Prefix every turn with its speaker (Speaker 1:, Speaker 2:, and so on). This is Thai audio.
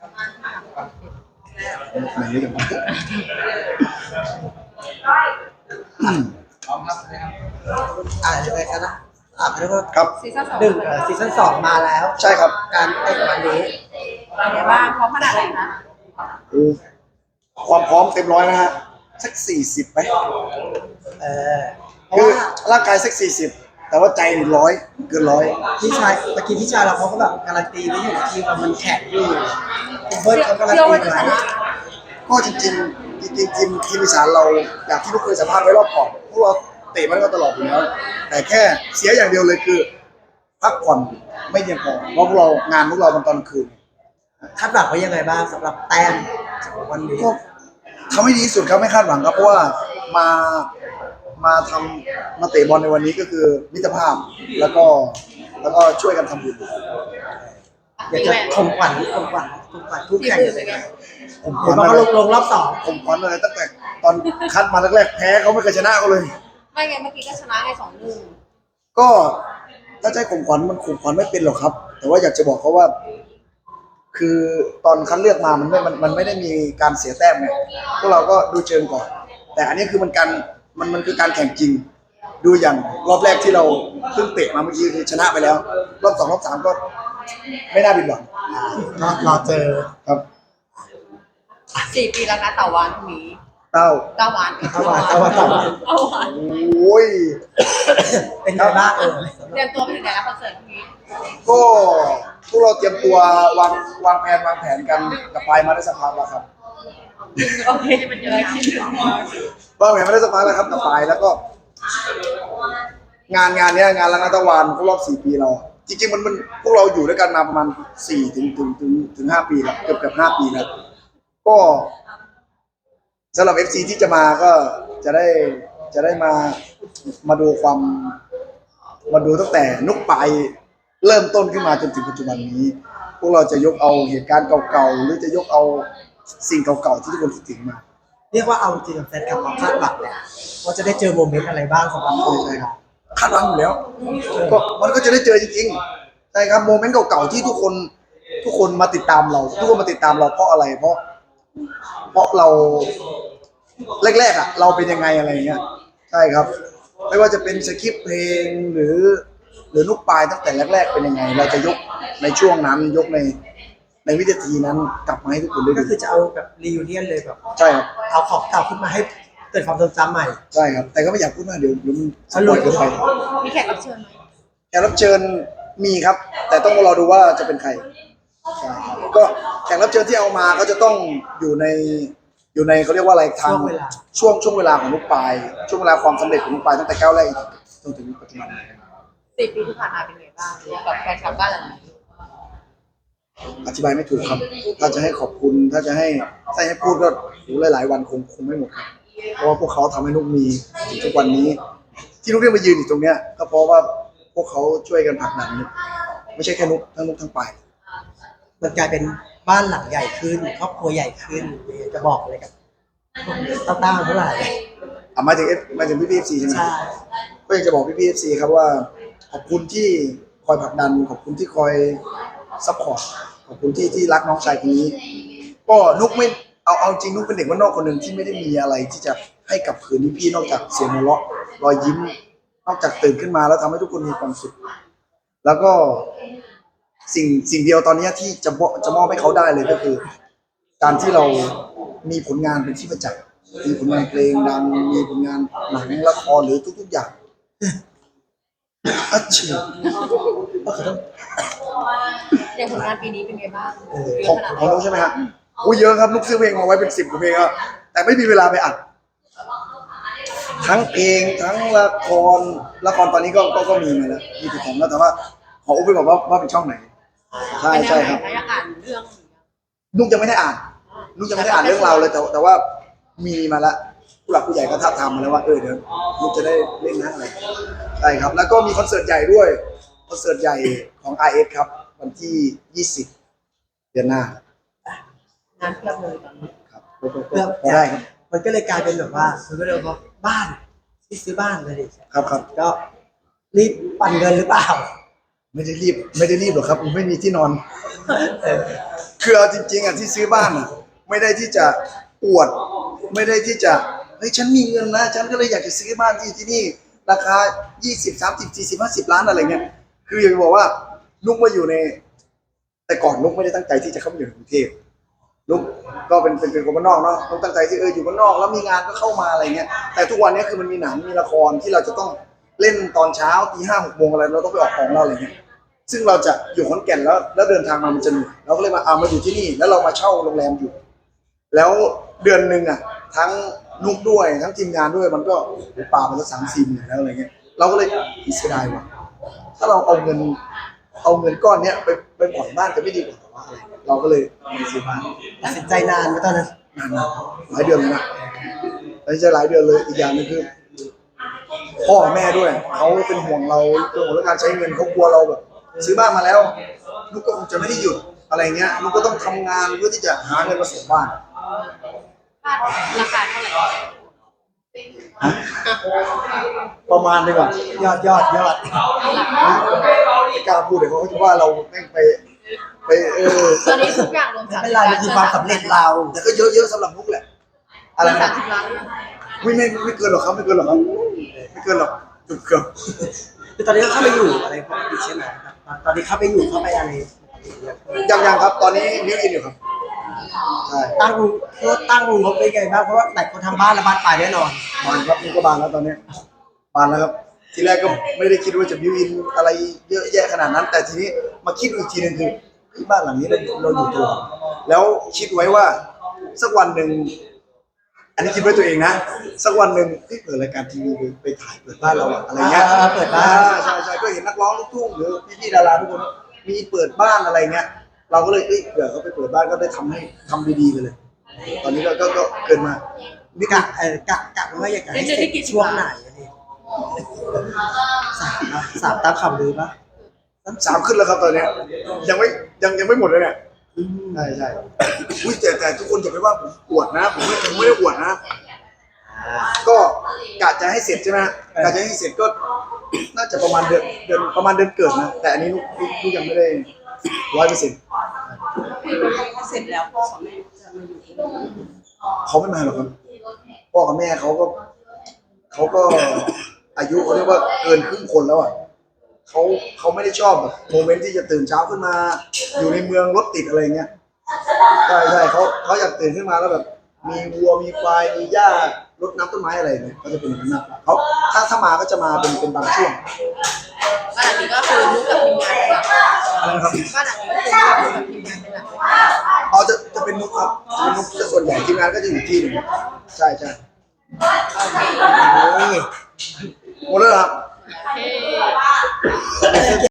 Speaker 1: ไหนเดี๋ยวมา
Speaker 2: ยังไงกันนะเรียกว่า
Speaker 1: ครับ
Speaker 3: ซีซั่นสอง
Speaker 2: ซีซั่น2มาแล้ว
Speaker 1: ใช่ครับ
Speaker 2: การเตะวันนี้
Speaker 3: เป็นไงบ้างพร้อมขนาดไหนคะ
Speaker 1: ความพร้อมเต็มร้อยนะฮะสัก40ไหม
Speaker 2: เพราะ
Speaker 1: คือ
Speaker 2: ว่า
Speaker 1: ร่างกายสัก40แต่ว่าใจ100เกินร้อย
Speaker 2: พี่ชายตะกี้พี่ชายเราเขาก็แบบการันตีไว้อยู่ทีมมันแข็งอยู่คุณเบิร์ดเขาการัน
Speaker 3: เชื่อ
Speaker 2: ตี
Speaker 3: ว่าจะช
Speaker 2: ไว้
Speaker 3: นะ
Speaker 1: ก็จริงทีมอีสานเราอย่างที่ทุกเคยสัมภาษณ์ไว้รอบก่อนพวกเราเตะมันก็ตลอดอยู่แล้วแต่แค่เสียอย่างเดียวเลยคือพักผ่อนไม่เพียงพอเพราะพวกเรางานพวกเรามันตอนคืน
Speaker 2: คาดหวังไว้ยังไงบ้างสำหรับแต้มของวันนี้
Speaker 1: ก็ทำให้ดีที่สุดครับไม่คาดหวังครับเพราะว่ามาเตะบอลในวันนี้ก็คือมิตรภาพแล้วก็ช่วยกันทำบุญ
Speaker 2: อยากจะข่มขวัญทุกแข่ง
Speaker 3: ทีมอื่นเป็นไง
Speaker 1: ผมข
Speaker 2: เห็
Speaker 1: วัน ญ
Speaker 2: ว่า
Speaker 1: อะ
Speaker 2: เขา
Speaker 1: ไร
Speaker 2: ลงรอบ2
Speaker 1: ผมขวัญอะไรตั้งแต่ตอนคัดมาแรกๆแพ้เขาไม่เคยชนะเขาเลย
Speaker 3: ไม่ไงเมื่อกี้ก็ชนะไง2-1
Speaker 1: ก็ถ้าใจข่มขวัญมันข่มขวัญไม่เป็นหรอกครับ แต่ว่าอยากจะบอกเขาว่า คือตอนคัดเลือกมามันไม่ได้มีการเสียแต้มไงพวกเราก็ดูเชิงก่อน แต่อันนี้คือมันคือการแข่งจริง ดูอย่างรอบแรกที่เราเพิ่งเตะมาเมื่อกี้คือชนะไปแล้ว รอบ2รอบ3ก็ไม่น่าผิดหวัง
Speaker 2: รอเจอ
Speaker 1: ครับ
Speaker 3: 4 ปีแล้วนะต่อวันนี้
Speaker 1: เต้า
Speaker 3: 9 วัน
Speaker 2: 9 วัน
Speaker 1: โอ้ย
Speaker 2: เป็นไงบ้าง
Speaker 3: เตรียมตัวไปถึงไหนแล้วคอนเสิร์ตพรุ่งนี้
Speaker 1: ก็พวกเราเตรียมตัววางแผนกันกับไฟมาได้สักพักแล้วครับ
Speaker 3: โอเคจะเป็นยังไงคิดถึง
Speaker 1: วางแผนมาได้สักพักแล้วครับกับไฟแล้วก็ งานเนี้ยงานรังนัตวันครบรอบ4 ปีเรา จริงๆมันพวกเราอยู่ด้วยกันมาประมาณ4ถึง5 ปีแล้วเกือบ5 ปีแล้วก็สำหรับ FC ที่จะมาก็จะได้มาดูมาดูตั้งแต่นุกปลายเริ่มต้นขึ้นมาจนถึงปัจจุบันนี้ พวกเราจะยกเอาเหตุการณ์เก่าๆหรือจะยกเอาสิ่งเก่าๆที่ทุกคนคิดถึงมา
Speaker 2: เรียกว่าเอาจริงกับแฟนคลับความคาดหวังเนี่ยว่าจะได้เจอโมเมนต์อะไรบ้างสำหรับคนไทยครับ
Speaker 1: คาดหวังอยู่แล้วก็มันก็จะได้เจอจริงๆใช่ครับโมเมนต์เก่าๆที่ทุกคนมาติดตามเราทุกคนมาติดตามเราเพราะอะไรเพราะเราแรกๆอ่ะเราเป็นยังไงอะไรเงี้ยใช่ครับไม่ว่าจะเป็นสคริปต์เพลงหรือนุกปลายตั้งแต่แรกๆเป็นยังไง เราจะยกในช่วงนั้นยกในวินาทีนั้นกลับมาให้ทุกคนได้
Speaker 2: ก็
Speaker 1: ดู
Speaker 2: คือจะเอาแบบรีวิเนียนเลยแบบ
Speaker 1: ใช่ครับ
Speaker 2: เอาของเก่าขึ้นมาให้เกิดความทรงจำใหม่
Speaker 1: ใช่ครับแต่ก็ไม่อยากพูดมากเดี๋ยวมันสปอยเกินไป
Speaker 3: มีแขกรับเชิญไหม
Speaker 1: แขกรับเชิญมีครับ แต่ต้องรอดูว่าจะเป็นใครใช่ครับก็แขกรับเชิญที่เอามาก็จะต้องอยู่ในเขาเรียกว่าอะไรทางช่วงเวลาของลูกปลายช่วงเวลาความสำเร็จของลูกปลายตั้งแต่ก้าวแรกจนถึงปัจจุบัน
Speaker 3: 4 ปีที่ผ่านมาเป็นไงบ้างกับแฟนคลับบ้านหลังนี้
Speaker 1: อธิบายไม่ถูกครับ ถ้าจะให้ขอบคุณถ้าให้พูดก็หลายๆวันคงไม่หมดครับเพราะว่าพวกเขาทำให้นุกมีถึงทุกวันนี้ ที่นุกได้มายืนอยู่ตรงเนี้ยก็เพราะว่าพวกเขาช่วยกันผลักดันนุกไม่ใช่แค่นุกทั้งปลาย
Speaker 2: มันกลายเป็นบ้านหลังใหญ่ขึ้นครอบครัวใหญ่ขึ้นจะบอกอะไรกับต้าเท่าไหร่
Speaker 1: หมายถึงพี่เอฟซีใช่ไหม
Speaker 2: ใช่
Speaker 1: ก็อยากจะบอกพี่เอฟซีครับว่าขอบคุณที่คอยผลักดันขอบคุณที่คอยซัพพอร์ตขอบคุณที่รักน้องชายคนนี้ก็นุกไม่เอาจริงนุกเป็นเด็กบ้านนอกคนหนึ่งที่ไม่ได้มีอะไรที่จะให้กับคืนนี้พี่นอกจากเสียงหัวเราะรอยยิ้มนอกจากตื่นขึ้นมาแล้วทำให้ทุกคนมีความสุขแล้วก็สิ่งเดียวตอนนี้ที่จะมอบให้เขาได้เลยก็คือ การที่เรามีผลงานเป็นที่ประจักษ์มีผลงานเพลงดังมีผลงานหนังละครหรือทุกๆอย่างอัจฉริยะ
Speaker 3: อย่างผลงานปีนี้เป็นไงบ้างเย
Speaker 1: ขอ
Speaker 3: อะ
Speaker 1: ง
Speaker 3: ขนาดไห
Speaker 1: ของ
Speaker 3: น
Speaker 1: นุ๊กใช่ไหมฮะโอ้เยอะครับนุ๊กซื้อเพลงมาไว้เป็น10 กว่าเพลงอะแต่ไม่มีเวลาไปอัดทั้งเพลงทั้งละครตอนนี้ก็มีมาแล้วมีติดต่อแล้วแต่ว่าขออุบไปบอกว่าเป็นช่องไหนใช่ครับ
Speaker 3: อยากอ่านเรื่อง
Speaker 1: นุ๊กยังไม่ได้อ่านเรื่องราวเลยแต่ว่ามีมาแล้วผู้หลักผู้ใหญ่ก็ท้าบทามมาแล้วว่าเดี๋ยวนุ๊กจะได้เล่นนะอะไรใช่ครับแล้วก็มีคอนเสิร์ตใหญ่ด้วยคอนเสิร์ตใหญ่ของ RS ครับวันที่20 เดือนหน้าง
Speaker 3: านเพียบเลยตอนนี้
Speaker 1: ครับ
Speaker 2: เพื่อ
Speaker 1: พอได้ครับ
Speaker 2: มันก็เลยกลายเป็นแบบว่าซื้อก็เลยว่าบ้านที่ซื้อบ้านเลยดิ
Speaker 1: ครับ
Speaker 2: ก็รีบปั่นเงินหรือเปล่า
Speaker 1: ไม่ได้รีบหรอกครับไม่มีที่นอนคือเอาจริงๆอ่ะที่ซื้อบ้านอ่ะไม่ได้ที่จะอวด ไม่ได้ที่จะเฮ้ยฉันมีเงินนะฉันก็เลยอยากจะซื้อบ้านที่นี่ราคา20 30 40 50 ล้านอะไรเงี้ยคืออยากจะบอกว่านุกมาอยู่ในแต่ก่อนนุกไม่ได้ตั้งใจที่จะเข้ามาอยู่ในกรุงเทพนุกก็เป็นคนบ้านนอกเนาะนุกตั้งใจที่อยู่บ้านนอกแล้วมีงานก็เข้ามาอะไรเงี้ยแต่ทุกวันนี้คือมันมีหนังมีละครที่เราจะต้องเล่นตอนเช้าตี 5 6 โมงอะไรเราต้องไปออกของเราอะไรเงี้ยซึ่งเราจะอยู่ขอนแก่นแล้วเดินทางมามันจะเหนื่อยเราก็เลยมาอยู่ที่นี่แล้วเรามาเช่าโรงแรมอยู่ แล้วเดือนหนึ่งอ่ะทั้งนุกด้วยทั้งทีมงานด้วยมันก็ป่ามันก็3-4 หมื่นแล้วอะไรเงี้ยเราก็เลยเสียดายว่ะถ้าเราเอาเงินก้อนเนี้ยไปผ่อนบ้านจะไม่ดีกว่าหรออะไรเราก็เลยมาซื้อบ้าน
Speaker 2: ตัดสินใจนานไหมตอนนั้น
Speaker 1: นานนะหลายเดือนเลยนะไม่ใช่หลายเดือนเลยอีกอย่างหนึงคือพ่อแม่ด้วยเขาเป็นห่วงเราเรื่องของการใช้เงินเขากลัวเราแบบซื้อบ้านมาแล้วลูกก็คงจะไม่ได้หยุดอะไรเงี้ยลูกก็ต้องทำงานเพื่อที่จะหาเงินมาส่งบ้าน
Speaker 3: บ้านราคาเท่าไหร่
Speaker 1: ประมาณดีกว่าย
Speaker 2: อด
Speaker 3: หลัก
Speaker 1: ไม่กล้าพูดเดี๋ยวเขาจะว่าเราแม่งไป
Speaker 3: ตอนนี้ทุกอย่างรวม
Speaker 2: ไม่เป็นไรมันคือความสำเร็จเรา
Speaker 1: แต่ก็เยอะๆสำหรับมุกแหละอะไรนะ
Speaker 3: 30 ล้าน
Speaker 1: ไม่เกินหรอกครับไม่เกินหรอกครับไม่เกินหรอกเกือบ
Speaker 2: คือตอนนี้ก็เข้าไปอยู่อะไรปกติใช่ไหมตอนนี้เข้าไปอยู่เข้าไปอะไร
Speaker 1: ยังครับตอนนี้มิวอินอยู่ครับใช่
Speaker 2: ตั้งงบไปไงบ้างเพราะว่าหลายคนทำบ้านแล้วบ้านปลายแน่นอน
Speaker 1: บานครับนี่ก็บานแล้วตอนนี้บานแล้วครับทีแรกก็ไม่ได้คิดว่าจะมิวอินอะไรเยอะแยะขนาดนั้น แต่ทีนี้มาคิดอีกทีนึงคือที่บ้านหลังนี้เราอยู่ตัวแล้วคิดไว้ว่าสักวันหนึ่งอันนี้คิดไว้ตัวเองนะสักวันหนึ่งเปิดรายการทีวีไปถ่ายเปิดบ้านเราอะอะไรเงี้ย
Speaker 2: เปิดบ้าน
Speaker 1: ใช่ก็เห็นนักร้องลูกทุ่งหรือพี่ๆดาราทุกคนมีเปิดบ้านอะไรเงี้ยเราก็เลยเผื่อเขาไปเปิดบ้านก็ได้ทำดีๆไปเลย ตอนนี้ก็เกินมานี่
Speaker 2: กะว่าอยากจะให้เสร็จช่วงไหนอะไรสามตามข่าวลือปะ
Speaker 1: 3ขึ้นแล้วครับตอนเนี้ยยังไม่หมดเลยเนี่ยใช่อุ้ยแต่ทุกคนอย่าไปว่าผมอวดนะผมไม่ได้อวดนะ ก็กะจะให้เสร็จใช่ไหมกะจะให้เสร็จก็น่าจะประมาณเดือนประมาณเดือนเกิดนะแต่อันนี้ลูกยังไม่ได้100%
Speaker 3: เสร็จแล้วพ่อกับแม่จะมาอยู่ที่นี่
Speaker 1: เขาไม่มาหรอกครับพ่อกับแม่เขาก็อายุเขาเรียกว่าเกินครึ่งคนแล้วอ่ะเขาไม่ได้ชอบแบบโมเมนต์ที่จะตื่นเช้าขึ้นมา อยู่ในเมืองรถติดอะไรเงี้ยใช่เขาอยากตื่นขึ้นมาแล้วแบบมีวัวมีควายมีหญ้ารดน้ำต้นไม้อะไรเนี่ยเขาจะเป็นอย่างนั้นมากกว่าเขาถ้ามาก็จะมาเป็นบางช่วง
Speaker 3: บ้านหลังนี้ก็คือลูกกับทีมงานเป็นหลัก
Speaker 1: อะไรนะครับ
Speaker 3: บ้านหลังนี้ก็คือลูกกับทีมงานเป็นหลัก
Speaker 1: อ๋อจะเป็นนุกครับจะเป็นนุกจะส่วนใหญ่ทีมงานก็จะอยู่ที่หนึ่งใช่หมดแล้วเหรอครับ
Speaker 3: โอเค